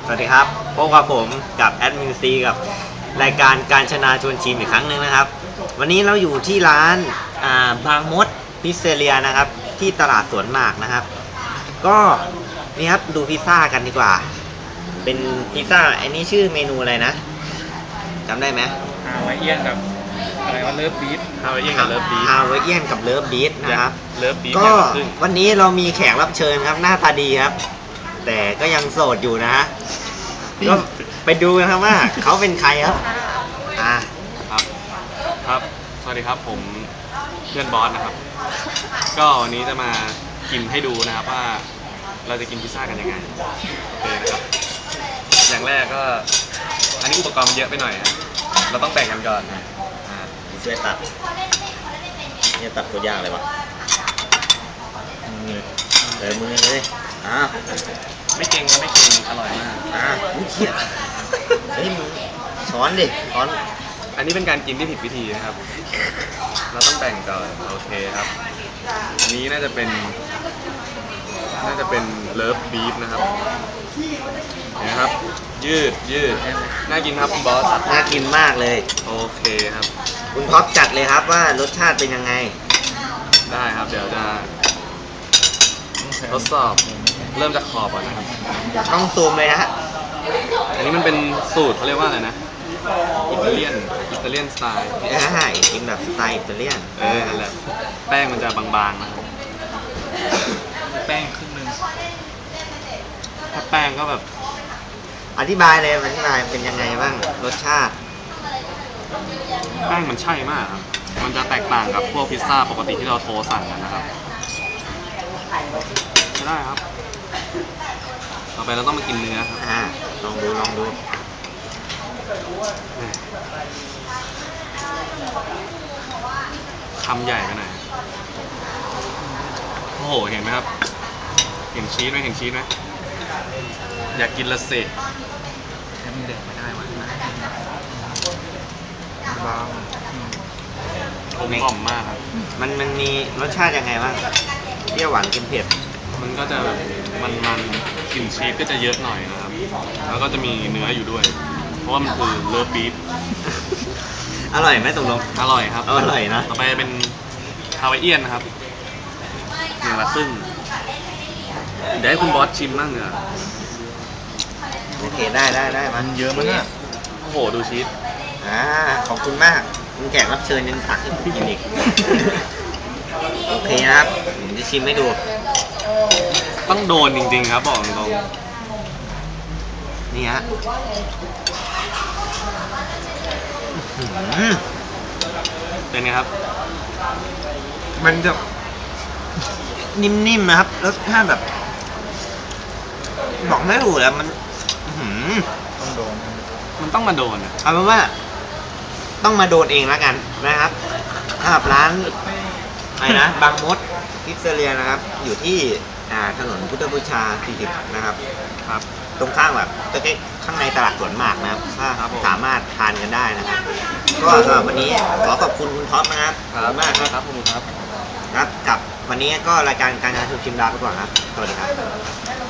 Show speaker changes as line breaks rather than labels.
วัสดีครับพบกับผมกับแอดมินซีกับรายการการชนะชวนชิมอีกครั้งหนึ่งนะครับวันนี้เราอยู่ที่ร้านบางมดพิซเซเรียนะครับที่ตลาดสวนหมากนะครับก็นี่ครับดูพิซซ่ากันดีกว่าเป็นพิซซ่าอันนี้ชื่อเมนูอะไรนะจำได้ไหม
ฮาวายเอียนกับอะไรว่าเลิฟบีทฮาวายเอียนกับเลิฟบีท
นะครับ
เลิฟบีท
ก็วันนี้เรามีแขกรับเชิญครับหน้าตาดีครับแต่ก็ยังโสดอยู่นะฮะก็ไปดูกันครับว่าเขาเป็นใครครับ
ครับสวัสดีครับผมเพื่อนบอสนะครับก็วันนี้จะมากินให้ดูนะครับว่าเราจะกินพิซซ่ากันยังไงโอเคนะครับอย่างแรกก็อันนี้อุปกรณ์มันเยอะไปหน่อยเราต้องแบ่งกันก่อน
ช่วยตัดเนี่ยตัดตัวยากเลยวะมือเลย
ไม่เก่งก็ไม่เก่งอร่อยมาก
เขียเฮ้ยมึงช้อนดิช้อน
อันนี้เป็นการกินที่ผิดวิธีนะครับเราต้องแบ่งก่อนโอเคครับอันนี้น่าจะเป็นเลิฟบีฟนะครับนะครับยืดน่ากินครับคุณบอส
น่ากินมากเลย
โอเคครับ
คุณท็อปจัดเลยครับว่ารสชาติเป็นยังไง
ได้ครับเดี๋ยวจะทดสอบเริ่มจากขอบก่อนนะครับ
ต้องซูมเลยฮะ
อันนี้มันเป็นสูตรเขาเรียกว่าอะไรนะอิตาเลียนสไตล์
กินแบบสไตล์อิตาเลียน
นั่นแหละแป้งมันจะบางๆนะครับแป้งครึ่งนึงถ้าแป้งก็แบบ
อธิบายเป็นยังไงบ้างรสชาติ
แป้งมันใช่มากครับมันจะแตกต่างกับพวกพิซซ่าปกติที่เราโทรสั่งกันนะครับใช่ได้ครับต่อไปเราต้องมากินเนื้อครับ
ลองดู
คำใหญ่ไปหน่อยโอ้โหเห็นไหมครับเห็นชีสไหมอยากกินละสิให้มันเด็ดไม่ได้วะบางกลมกล่อมมากครับ
มันมีรสชาติยังไงบ้างเปรี้ยวหวานเค็มเผ็ด
มันก็จะมันกลิ่นชีสก็จะเยอะหน่อยนะครับแล้วก็จะมีเนื้ออยู่ด้วยเพราะว่ามันคือเลิฟบีฟ
อร่อยไหมตกลง
อร่อยครับ
อร่อยนะ
ต่อไปเป็นฮาวายเอียนนะครับ1 ละครึ่งเดี๋ยวให้คุณบอสชิมบ้างเถอะ
โอเคได้
มันเยอะมากโอ้โหดูชีส
ขอบคุณมากคุณแขกรับเชิญยังตักให้ผมกินอีกโอเคครับผมจะชิมให้ดู
ต้องโดนจริงๆครับบอกตรง
นี่ฮะ
เป็นไงครับ
มันจะนิ่มๆนะครับรสชาติแบบบอกไม่ถูกแล้วมัน
ต้องโดนมันต้องมาโดน
เอาเป็นว่าต้องมาโดนเองแล้วกันนะครับสำหรับร้านอะไรนะบางมดพิซเซเรียนะครับอยู่ที่ถนนพุทธบูชา40นะครับตรงข้างแบบใกล้ข้างในตลาดสวนหมากนะครับสามารถทานกันได้นะครับก็สำหรับวันนี้ขอขอบคุณคุณท็อปนะครับขอบคุณมากครับ
ผมครับ
กับวันนี้ก็รายการการงานชูชิมดาไปก่อนครับสวัสดีครับ